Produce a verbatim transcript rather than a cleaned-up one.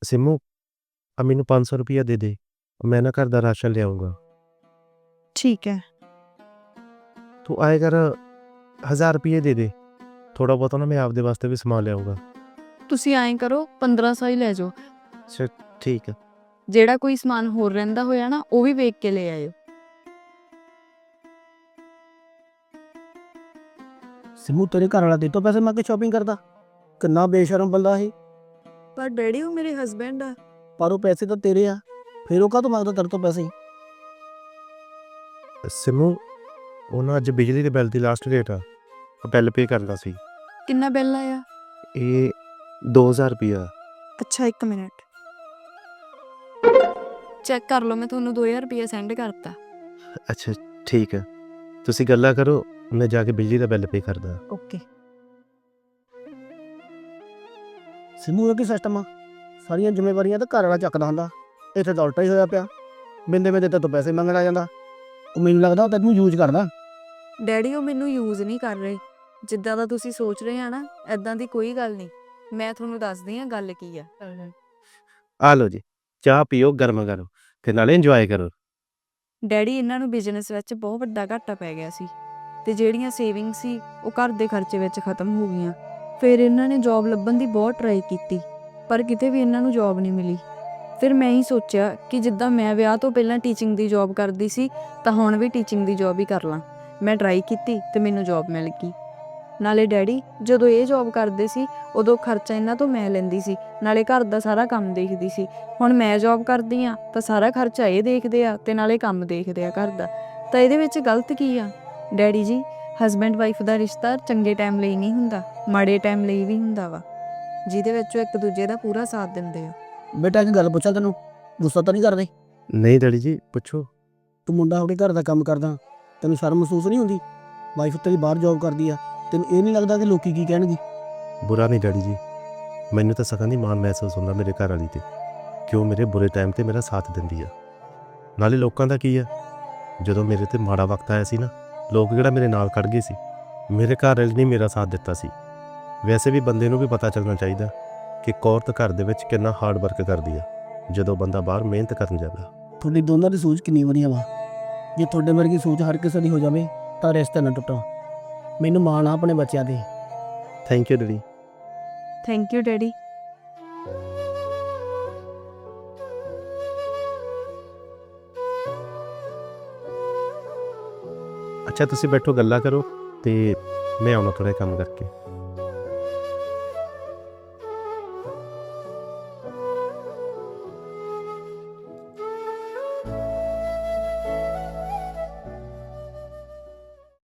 सिमू अब मैनू पाँच सौ रुपया दे दे, मैं ना घर का राशन ले आऊँगा। ठीक है। तू आए कर हज़ार रुपये दे दे, थोड़ा बहुत ना मैं आपदे वास्ते भी समान ले आऊँगा। ਤੁਸੀਂ ਐਂ ਕਰੋ पंद्रह सौ ਹੀ ਲੈ ਜਾਓ। अच्छा ठीक है। ਜਿਹੜਾ ਕੋਈ ਸਮਾਨ ਹੋਰ ਰਹਿੰਦਾ ਹੋਇਆ ਨਾ ਉਹ ਵੀ ਵੇਖ ਕੇ ਲੈ ਆਇਓ। सिमू तेरे घर वाला दे तो पैसे मंग के शॉपिंग करता, किन्ना बेशरम बंदा है। ਪਰ ਡੈਡੀ ਉਹ ਮੇਰੇ ਹਸਬੈਂਡ ਆ। पर वो पैसे तो तेरे आ, फिर वो काहतों मंगदा तेरे तो पैसे। सिमू ਉਹ ਨਾ ਅੱਜ ਬਿਜਲੀ ਦੇ ਬਿੱਲ ਦੀ ਲਾਸਟ ਡੇਟ ਆ, ਬਿੱਲ ਪੇ ਕਰਨਾ ਸੀ। ਕਿੰਨਾ ਬਿੱਲ ਆਇਆ? ਇਹ ਦੋ ਹਜ਼ਾਰ ਰੁਪਇਆ। ਅੱਛਾ ਇੱਕ ਮਿੰਟ ਚੈੱਕ ਕਰ ਲਓ, ਮੈਂ ਤੁਹਾਨੂੰ ਦੋ ਹਜ਼ਾਰ ਰੁਪਇਆ ਸੈਂਡ ਕਰਤਾ। ਅੱਛਾ ਠੀਕ ਹੈ, ਤੁਸੀਂ ਗੱਲਾਂ ਕਰੋ, ਮੈਂ ਜਾ ਕੇ ਬਿਜਲੀ ਦਾ ਬਿੱਲ ਪੇ ਕਰਦਾ। ਓਕੇ। सिमू ਇਹ ਕੀ ਸਿਸਟਮ ਆ, ਸਾਰੀਆਂ ਜ਼ਿੰਮੇਵਾਰੀਆਂ ਤਾਂ ਘਰ ਵਾਲਾ ਚੱਕਦਾ ਹੁੰਦਾ, ਇੱਥੇ ਤਾਂ ਉਲਟਾ ਹੀ ਹੋਇਆ ਪਿਆ। ਬਿੰਦੇ ਬਿੰਦੇ ਤੇ ਤੋਂ ਪੈਸੇ ਮੰਗਣ ਆ ਜਾਂਦਾ। ਉਹ ਮੈਨੂੰ ਲੱਗਦਾ ਉਹ ਤੈਨੂੰ ਯੂਜ਼ ਕਰਦਾ। ਡੈਡੀ ਉਹ ਮੈਨੂੰ ਯੂਜ਼ ਨਹੀਂ ਕਰ ਰਹੇ, ਜਿੱਦਾਂ ਦਾ ਤੁਸੀਂ ਸੋਚ ਰਹੇ ਆ ਨਾ ਐਦਾਂ ਦੀ ਕੋਈ ਗੱਲ ਨਹੀਂ। ਮੈਂ ਤੁਹਾਨੂੰ ਦੱਸਦੀ ਆ ਗੱਲ ਕੀ ਆ। ਆ ਲਓ ਜੀ, ਚਾਹ ਪੀਓ ਗਰਮ ਗਰਮ ਤੇ ਨਾਲੇ ਇੰਜੋਏ ਕਰੋ। ਡੈਡੀ ਇਹਨਾਂ ਨੂੰ ਬਿਜ਼ਨਸ ਵਿੱਚ ਬਹੁਤ ਵੱਡਾ ਘਾਟਾ ਪੈ ਗਿਆ ਸੀ ਤੇ ਜਿਹੜੀਆਂ ਸੇਵਿੰਗ ਸੀ ਉਹ ਘਰ ਦੇ ਖਰਚੇ ਵਿੱਚ ਖਤਮ ਹੋ ਗਈਆਂ। ਫਿਰ ਇਹਨਾਂ ਨੇ ਜੌਬ ਲੱਭਣ ਦੀ ਬਹੁਤ ਟਰਾਈ ਕੀਤੀ ਪਰ ਕਿਤੇ ਵੀ ਇਹਨਾਂ ਨੂੰ ਜੌਬ ਨਹੀਂ ਮਿਲੀ। ਫਿਰ ਮੈਂ ਹੀ ਸੋਚਿਆ ਕਿ ਜਿੱਦਾਂ ਮੈਂ ਵਿਆਹ ਤੋਂ ਪਹਿਲਾਂ ਟੀਚਿੰਗ ਦੀ ਜੌਬ ਕਰਦੀ ਸੀ ਤਾਂ ਹੁਣ ਵੀ ਟੀਚਿੰਗ ਦੀ ਜੌਬ ਹੀ ਕਰ ਲਾਂ। ਮੈਂ ਟਰਾਈ ਕੀਤੀ ਤੇ ਮੈਨੂੰ ਜੌਬ ਮਿਲ ਗਈ। ਨਾਲੇ ਡੈਡੀ ਜਦੋਂ ਇਹ ਜੌਬ ਕਰਦੇ ਸੀ ਉਦੋਂ ਖਰਚਾ ਇਹਨਾਂ ਤੋਂ ਮੈਂ ਲੈਂਦੀ ਸੀ, ਨਾਲੇ ਘਰ ਦਾ ਸਾਰਾ ਕੰਮ ਦੇਖਦੀ ਸੀ। ਹੁਣ ਮੈਂ ਜੌਬ ਕਰਦੀ ਆ ਤਾਂ ਸਾਰਾ ਖਰਚਾ ਇਹ ਦੇਖਦੇ ਆ ਤੇ ਨਾਲੇ ਕੰਮ ਦੇਖਦੇ ਆ ਘਰ ਦਾ, ਤਾਂ ਇਹਦੇ ਵਿੱਚ ਗਲਤ ਕੀ ਆ? ਡੈਡੀ ਜੀ ਹਸਬੈਂਡ ਵਾਈਫ ਦਾ ਰਿਸ਼ਤਾ ਚੰਗੇ ਟਾਈਮ ਲਈ ਨਹੀਂ ਹੁੰਦਾ, ਮਾੜੇ ਟਾਈਮ ਲਈ ਵੀ ਹੁੰਦਾ ਵਾ, ਜਿਹਦੇ ਵਿੱਚ ਉਹ ਇੱਕ ਦੂਜੇ ਦਾ ਪੂਰਾ ਸਾਥ ਦਿੰਦੇ ਆ। ਬੇਟਾ ਇੱਕ ਗੱਲ ਪੁੱਛਾਂ ਤੈਨੂੰ, ਗੁੱਸਾ ਤਾਂ ਨਹੀਂ ਕਰਦੇ? ਨਹੀਂ ਡੈਡੀ ਜੀ ਪੁੱਛੋ। ਤੂੰ ਮੁੰਡਾ ਆਪਣੇ ਘਰ ਦਾ ਕੰਮ ਕਰਦਾ, ਤੈਨੂੰ ਸ਼ਰਮ ਮਹਿਸੂਸ ਨਹੀਂ ਹੁੰਦੀ? ਵਾਈਫ ਤੇਰੀ ਬਾਹਰ ਜੌਬ ਕਰਦੀ ਆ, ਤੈਨੂੰ ਇਹ ਨਹੀਂ ਲੱਗਦਾ ਕਿ ਲੋਕੀ ਕੀ ਕਹਿਣਗੇ? ਬੁਰਾ ਨਹੀਂ ਡੈਡੀ ਜੀ, ਮੈਨੂੰ ਤਾਂ ਸਗੋਂ ਦੀ ਮਾਣ ਮਹਿਸੂਸ ਹੁੰਦਾ ਮੇਰੇ ਘਰ ਵਾਲੀ ਤੇ, ਕਿ ਉਹ ਮੇਰੇ ਬੁਰੇ ਟਾਈਮ ਤੇ ਮੇਰਾ ਸਾਥ ਦਿੰਦੀ ਆ। ਨਾਲੇ ਲੋਕਾਂ ਦਾ ਕੀ ਆ, ਜਦੋਂ ਮੇਰੇ ਤੇ ਮਾੜਾ ਵਕਤ ਆਇਆ ਸੀ ਨਾ, ਲੋਕ ਕਿਹੜਾ ਮੇਰੇ ਨਾਲ ਖੜ ਗਏ ਸੀ, ਮੇਰੇ ਘਰ ਵਾਲੀ ਨੇ ਮੇਰਾ ਸਾਥ ਦਿੱਤਾ ਸੀ। ਵੈਸੇ ਵੀ ਬੰਦੇ ਨੂੰ ਵੀ ਪਤਾ ਚੱਲਣਾ ਚਾਹੀਦਾ ਕਿ ਇੱਕ ਔਰਤ ਘਰ ਦੇ ਵਿੱਚ ਕਿੰਨਾ ਹਾਰਡ ਵਰਕ ਕਰਦੀ ਆ ਜਦੋਂ ਬੰਦਾ ਬਾਹਰ ਮਿਹਨਤ ਕਰਨ ਜਾਂਦਾ। ਤੁਹਾਡੀ ਦੋਨਾਂ ਦੀ ਸੋਚ ਕਿੰਨੀ ਵਧੀਆ ਵਾ। ਜੇ ਤੁਹਾਡੇ ਵਰਗੀ ਸੋਚ ਹਰ ਕਿਸੇ ਦੀ ਹੋ ਜਾਵੇ ਤਾਂ ਰਿਸ਼ਤਾ ਨਾ ਟੁੱਟਾ। ਮੈਨੂੰ ਮਾਣ ਆ ਆਪਣੇ ਬੱਚਿਆਂ ਤੇ। Thank you daddy. Thank you daddy. ਅੱਛਾ ਤੁਸੀਂ ਬੈਠੋ ਗੱਲਾਂ ਕਰੋ ਤੇ ਮੈਂ ਆਉਣਾ ਥੋੜ੍ਹਾ ਕੰਮ ਕਰਕੇ।